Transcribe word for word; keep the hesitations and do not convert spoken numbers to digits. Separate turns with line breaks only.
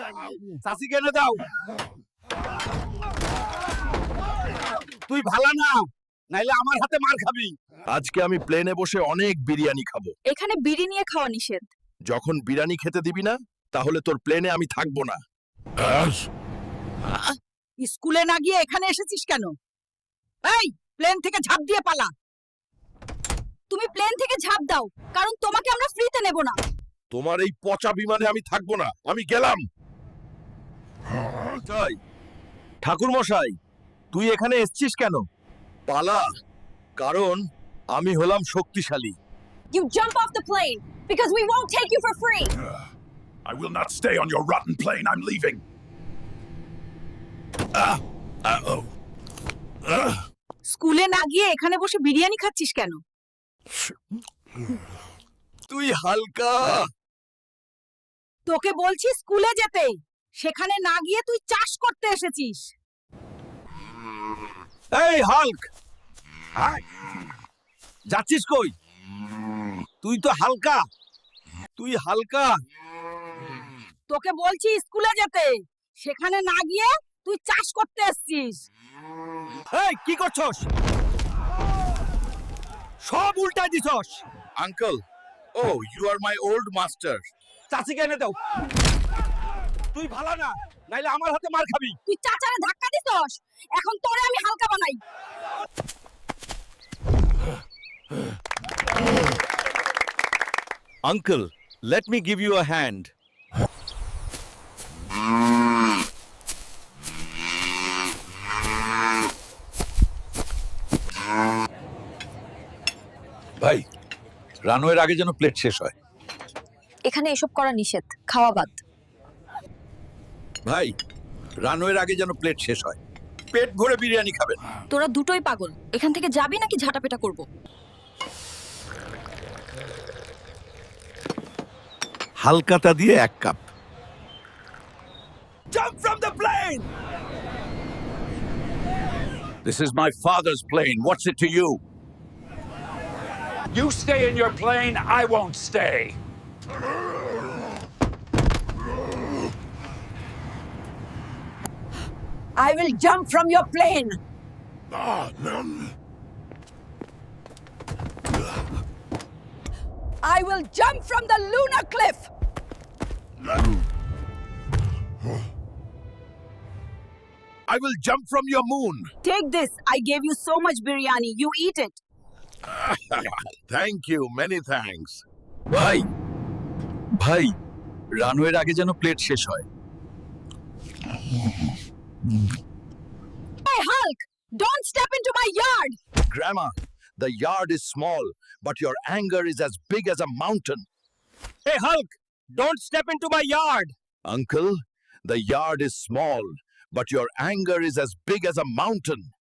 চাচি কেনে দাও তুই ভালো না নাইলে আমার হাতে মার খাবি আজকে আমি প্লেনে বসে অনেক বিরিয়ানি খাবো
এখানে বিড়ি নিয়ে খাওয়া নিষেধ।
যখন বিরিয়ানি খেতে দিবি না তাহলে তোর প্লেনে আমি থাকবো না
স্কুলে না গিয়ে এখানে এসেছিস কেন? এই প্লেন থেকে ঝাঁপ দিয়ে পালা। তুমি প্লেন থেকে ঝাঁপ দাও, কারণ তোমাকে আমরা ফ্রিতে নেব না।
তোমার এই পচা বিমানে আমি থাকবো না, আমি গেলাম। তাই ঠাকুর মশাই, তুই এখানে এসেছিস কেন? পালা, কারণ আমি হলাম শক্তিশালী।
You jump off the plane because we won't take you for free.
I will not stay on your rotten plane. I'm leaving. Ah, uh-oh. Ah.
স্কুলে না গিয়ে এখানে বসে বিরিয়ানি খাচ্ছিস কেন?
তুই হালকা।
তোকে বলছি স্কুলে যেতে, সেখানে না গিয়ে তুই চাষ করতে এসেছিস।
এই হাল্ক, যাচ্ছিস কই? তুই তো হালকা, তুই হালকা।
তোকে বলছি স্কুলে যেতে, সেখানে না গিয়ে তুই চাষ করতে এসেছিস।
এই কি করছস? সব উল্টাই দিছস। Uncle, oh you are my old master. চাচিকে এনে দাও। তুই ভালো না, নাইলে আমার হাতে মার খাবি।
তুই চাচারে ধাক্কা দিছস, এখন তোরে আমি হালকা বানাই।
Uncle, let me give you a hand. ভাই, রানওয়ের আগে যেন প্লেট শেষ হয়।
এখানে এসব করা নিষেধ, খাওয়া বাদ।
ভাই, রানওয়ের আগে যেন প্লেট শেষ হয়। পেট ভরে বিরিয়ানি খাবেন।
তোরা দুটোই পাগল, এখান থেকে যাবি নাকি ঝাঁটাপেটা করব?
হালকাতা দিয়ে এক cup. Jump from the plane!
This is my father's plane. What's it to you? You stay in your plane, I won't stay.
I will jump from your plane.
Ah, no.
I will jump from the lunar cliff.
I will jump from your moon.
Take this. I gave you so much biryani. You eat it.
Thank you, many thanks. ভাই, ভাই, রানওয়ের আগে যেন plate শেষ হয়।
Hey Hulk, don't step into my yard.
Grandma, the yard is small, but your anger is as big as a mountain. Hey Hulk, don't step into my yard. Uncle, the yard is small, but your anger is as big as a mountain.